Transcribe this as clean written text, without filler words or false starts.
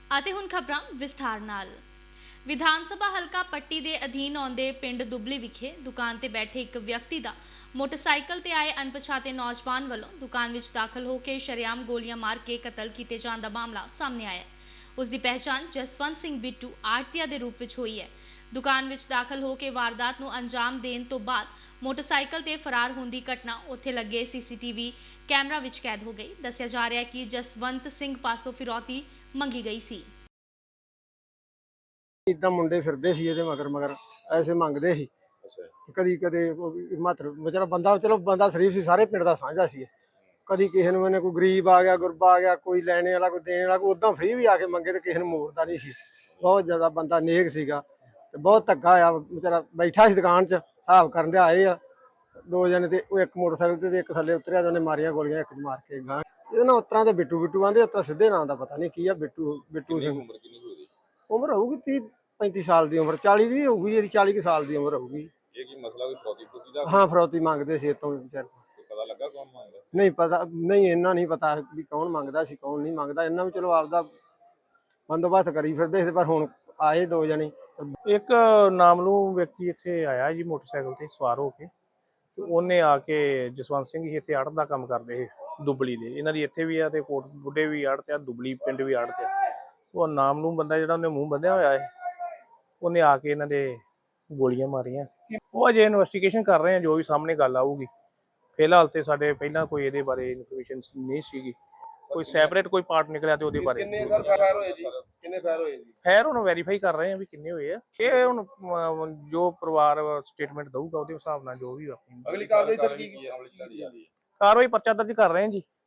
ਅਤੇ ਹੁਣ ਖਬਰਾਂ ਵਿਸਥਾਰ ਨਾਲ। ਵਿਧਾਨ ਸਭਾ ਹਲਕਾ ਪੱਟੀ ਦੇ ਅਧੀਨ ਆਉਂਦੇ ਪਿੰਡ ਦੁਬਲੀ ਵਿਖੇ ਦੁਕਾਨ ਤੇ ਬੈਠੇ ਇੱਕ ਵਿਅਕਤੀ ਦਾ ਮੋਟਰਸਾਈਕਲ ਤੇ ਆਏ ਅਣਪਛਾਤੇ ਨੌਜਵਾਨ ਵੱਲੋਂ ਦੁਕਾਨ ਵਿੱਚ ਦਾਖਲ ਹੋ ਕੇ ਸ਼ਰੇਆਮ ਗੋਲੀਆਂ ਮਾਰ ਕੇ ਕਤਲ ਕੀਤੇ ਜਾਣ ਦਾ ਮਾਮਲਾ ਸਾਹਮਣੇ ਆਇਆ ਹੈ। ਉਸ ਦੀ ਪਹਿਚਾਣ ਜਸਵੰਤ ਸਿੰਘ ਬਿੱਟੂ ਆੜਤੀਆ ਦੇ ਰੂਪ ਵਿੱਚ ਹੋਈ ਹੈ। ਦੁਕਾਨ ਵਿੱਚ ਦਾਖਲ ਹੋ ਕੇ ਵਾਰਦਾਤ ਨੂੰ ਅੰਜਾਮ ਦੇਣ ਤੋਂ ਬਾਅਦ ਮੋਟਰਸਾਈਕਲ ਤੇ ਫਰਾਰ ਹੋਣ ਦੀ ਘਟਨਾ ਉੱਥੇ ਲੱਗੇ ਸੀਸੀਟੀਵੀ ਕੈਮਰਾ ਵਿੱਚ ਕੈਦ ਹੋ ਗਈ। ਦੱਸਿਆ ਜਾ ਰਿਹਾ ਹੈ ਕਿ ਜਸਵੰਤ ਸਿੰਘ ਪਾਸੋਂ ਫਿਰੌਤੀ ਮੰਗੀ ਗਈ ਸੀ। इदा मुंडे फिरदे सी ਇਹਦੇ ਮਗਰ ਮਗਰ ਐਸੇ ਮੰਗਦੇ ਸੀ। ਕਦੀ ਕਦੇ ਮਾਤਰ ਵਿਚਾਰਾ ਬੰਦਾ ਚਲੋ ਬੰਦਾ ਸ਼ਰੀਫ ਸੀ, ਸਾਰੇ ਪਿੰਡ ਦਾ ਸਾਂਝਾ ਸੀ। ਕਦੀ ਕਿਸੇ ਨੂੰ ਇਹਨੇ ਕੋਈ ਗਰੀਬ ਆ ਗਿਆ, ਗੁਰਬਾ ਆ ਗਿਆ, ਕੋਈ ਲੈਣੇ ਵਾਲਾ, ਕੋਈ ਦੇਣ ਵਾਲਾ, ਕੋਈ ਉਦਾਂ ਫ੍ਰੀ ਵੀ ਆ ਕੇ ਮੰਗੇ ਤੇ ਕਿਸੇ ਨੂੰ ਮੋੜਦਾ ਨਹੀਂ ਸੀ। ਬਹੁਤ ਜ਼ਿਆਦਾ ਬੰਦਾ ਨੇਕ ਸੀਗਾ ਤੇ ਬਹੁਤ ਧੱਕਾ ਆ। ਵਿਚਾਰਾ ਬੈਠਾ ਸੀ ਦੁਕਾਨ 'ਚ, ਹਿਸਾਬ ਕਰਨ ਦੇ ਆਏ ਆ ਦੋ ਜਣੇ ਤੇ ਉਹ ਇੱਕ ਮੋਟਰਸਾਈਕਲ ਤੇ ਇੱਕ ਥੱਲੇ ਉਤਰਿਆ ਤੇ ਉਹਨੇ ਮਾਰੀਆਂ ਗੋਲੀਆਂ, ਇੱਕ ਮਾਰ ਕੇ ਗਾਂ। ਇਹਦੇ ਨਾਲ ਉਤਰਾਂ ਤੇ ਬਿੱਟੂ ਬਿੱਟੂ ਆਂਦੇ, ਉਤਰਾ ਸਿੱਧੇ ਨਾਂ ਦਾ ਪਤਾ ਨਹੀਂ ਕੀ ਆ। ਬਿੱਟੂ ਸਿੰਘ ਉਮਰ ਹੋਊਗੀ 30-35 ਸਾਲ ਦੀ ਉਮਰ, 40 ਦੀ ਹੋਊਗੀ, ਜਿਹੜੀ 40 ਸਾਲ ਦੀ ਉਮਰ ਹੋਊਗੀ। ਇਹ ਕੀ ਮਸਲਾ ਕੋਈ ਫਰੌਤੀ ਦਾ? ਹਾਂ, ਫਰੌਤੀ ਮੰਗਦੇ ਸੀ ਇਤੋਂ ਵਿਚਾਰ। ਪਤਾ ਲੱਗਾ ਕੌਣ ਮੰਗਦਾ? ਨਹੀਂ ਪਤਾ, ਨਹੀਂ ਇੰਨਾ ਨਹੀਂ ਪਤਾ ਵੀ ਕੌਣ ਮੰਗਦਾ ਸੀ ਕੌਣ ਨਹੀਂ ਮੰਗਦਾ। ਇਹਨਾਂ ਵੀ ਚਲੋ ਆਪਦਾ ਬੰਦੋਬਸਤ ਕਰੀ ਫਿਰਦੇ ਸੀ, ਪਰ ਹੁਣ ਆਏ ਦੋ ਜਣੇ। ਇੱਕ ਨਾਮਲੂਮ ਵਿਅਕਤੀ ਇੱਥੇ ਆਇਆ ਜੀ ਮੋਟਰਸਾਈਕਲ ਤੇ ਸਵਾਰ ਹੋ ਕੇ, ਤੇ ਉਹਨੇ ਆ ਕੇ ਜਸਵੰਤ ਸਿੰਘ ਜੀ ਇੱਥੇ ਆੜਤ ਦਾ ਕੰਮ ਕਰਦੇ ਦੁਬਲੀ ਦੇ, ਇਹਨਾਂ ਦੀ ਇੱਥੇ ਵੀ ਆ ਤੇ ਕੋਟ ਬੁੱਢੇ ਵੀ ਆੜਤ ਆ, ਦੁਬਲੀ ਪਿੰਡ ਵੀ ਆੜਤ ਆ। ਉਹ ਨਾਮਲੂਮ ਬੰਦਾ ਜਿਹੜਾ ਉਹਨੇ ਮੂੰਹ ਬੰਨਿਆ ਹੋਇਆ ਹੈ, ਉਹਨੇ ਆ ਕੇ ਇਹਨਾਂ ਦੇ ਗੋਲੀਆਂ ਮਾਰੀਆਂ। ਉਹ ਅਜੇ ਇਨਵੈਸਟੀਗੇਸ਼ਨ ਕਰ ਰਹੇ ਆ, ਜੋ ਵੀ ਸਾਹਮਣੇ ਗੱਲ ਆਊਗੀ। ਫਿਲਹਾਲ ਤੇ ਸਾਡੇ ਪਹਿਲਾਂ ਕੋਈ ਇਹਦੇ ਬਾਰੇ ਇਨਫੋਰਮੇਸ਼ਨ ਨਹੀਂ ਸੀਗੀ, ਕੋਈ ਸੈਪਰੇਟ ਕੋਈ ਪਾਰਟ ਨਿਕਲਿਆ ਤੇ ਉਹਦੇ ਬਾਰੇ ਕਿੰਨੇ ਫਾਇਰ ਹੋਏ ਜੀ? ਕਿੰਨੇ ਫਾਇਰ ਹੋਏ ਜੀ? ਖੈਰ ਹੁਣ ਵੈਰੀਫਾਈ ਕਰ ਰਹੇ ਆ ਵੀ ਕਿੰਨੇ ਹੋਏ ਆ। ਇਹ ਹੁਣ ਜੋ ਪਰਿਵਾਰ ਸਟੇਟਮੈਂਟ ਦਊਗਾ ਉਹਦੇ ਹਿਸਾਬ ਨਾਲ ਜੋ ਵੀ ਆਪਣੀ ਅਗਲੀ ਕਾਰਵਾਈ ਸਰ ਕੀ ਹੈ? ਕਾਰਵਾਈ ਪਰਚਾ ਦਰਜ ਕਰ ਰਹੇ ਆ ਜੀ।